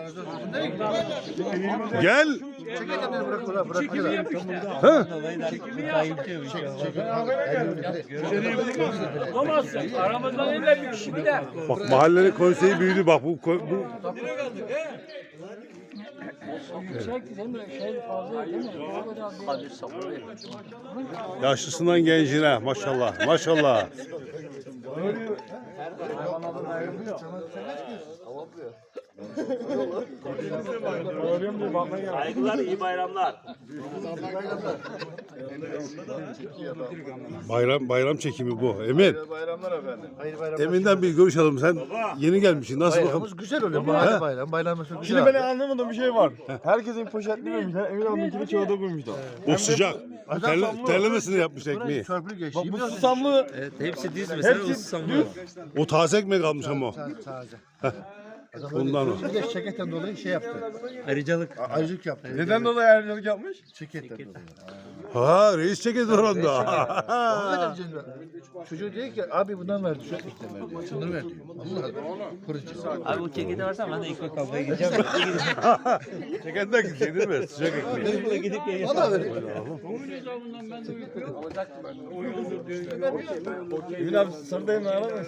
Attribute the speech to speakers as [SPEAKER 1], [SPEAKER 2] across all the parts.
[SPEAKER 1] Gel. Ha?
[SPEAKER 2] Bulamazsın. Aramızdan illa bir kişi gider.
[SPEAKER 1] Bak mahallenin konseyi büyüdü bak bu yaşlısından gencine maşallah maşallah.
[SPEAKER 2] Saygılar, iyi bayramlar.
[SPEAKER 1] Bayram çekimi bu. Emin.
[SPEAKER 3] Bayramlar efendim. Hayırlı bayramlar.
[SPEAKER 1] Emin'den bir görüş alalım. Sen yeni gelmişsin. Nasıl bakalım?
[SPEAKER 3] Bayramımız güzel oluyor. Mahalle bayram. Bayramımız çok güzel.
[SPEAKER 4] Şimdi ben anlamadığım bir şey var. Herkesin poşetli vermişler. Emin abiminkini kağıda koymuşlar.
[SPEAKER 1] O sıcak. Terlemesini yapmış ekmeği.
[SPEAKER 3] Çörpülü geçti.
[SPEAKER 4] Bu susamlı.
[SPEAKER 5] Hepsi düz mesela o susamlı.
[SPEAKER 1] O taze ekmek almış ama o.
[SPEAKER 3] Taze.
[SPEAKER 1] Ondan o.
[SPEAKER 3] Bir de şeketten dolayı şey yaptı.
[SPEAKER 5] Ayrıcalık.
[SPEAKER 3] Ayrıcılık yaptı.
[SPEAKER 4] Neden dolayı ayrıcalık yapmış?
[SPEAKER 3] Şeketten dolayı.
[SPEAKER 1] Ha reis çekildi oranda.
[SPEAKER 3] Hakikaten canım. Çocuğu diyor ki abi bundan ver diyor. Ekmek ver diyor. Şunları ver diyor. Allah kurucu.
[SPEAKER 5] Abi o kekede varsa ben de ekmek almaya gideceğim.
[SPEAKER 1] Çekenden gidecek değil mi? Sıcak ekmeği.
[SPEAKER 5] Gidip geleceğim.
[SPEAKER 3] Valla ver.
[SPEAKER 4] Emin abi sarıdayım ne aramaz.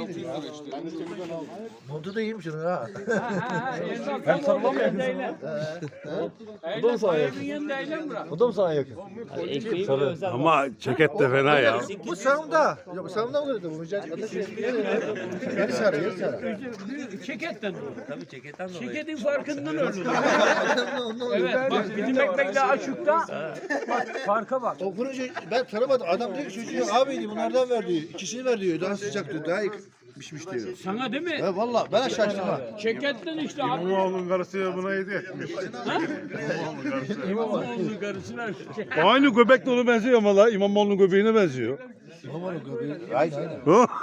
[SPEAKER 3] Montu da iyiymiş onun ha.
[SPEAKER 4] Hem sarılan mı yakın sana? O da mı sana yakın? O da mı sana yakın?
[SPEAKER 5] Ekmeği bile özel.
[SPEAKER 1] Ama ceket de fena ya.
[SPEAKER 3] Bu sağımda. Ya bu sağımda mı dedi bu? Yeri sarı, yeri sarı.
[SPEAKER 2] Çeketten olur.
[SPEAKER 5] Tabii ceketten dolayı.
[SPEAKER 2] Çeketin farkından ölür. Evet bak bizim ekmekle açıkta bak farka bak.
[SPEAKER 3] O kurucu ben tanımadım. Adam diyor ki çocuğu abi diyor bunlardan ver diyor. İkisini ver diyor. Daha sıcak diyor. Daha iyi pişmiş diyor.
[SPEAKER 2] Sana değil mi?
[SPEAKER 3] He valla ben şaştım ha.
[SPEAKER 2] Çeketten işte abi.
[SPEAKER 1] İmamoğlu'nun karısı buna hediye etmiş.
[SPEAKER 2] İmamoğlu'nun karısına.
[SPEAKER 1] Aynı göbek de ona benziyor ama la. İmamoğlu'nun göbeğine benziyor.
[SPEAKER 3] İmamoğlu göbeği. Aynen.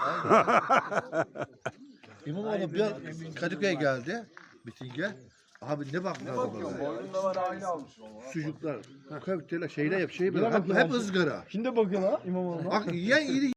[SPEAKER 3] İmamoğlu bir an Kadıköy'e geldi. Mitinge. Abi ne baktılar bana. Sucuklar, köfteler, şeyler yap, hep ızgara.
[SPEAKER 4] Şimdi bakın ha İmamoğlu'na.
[SPEAKER 3] Bak yiyen iri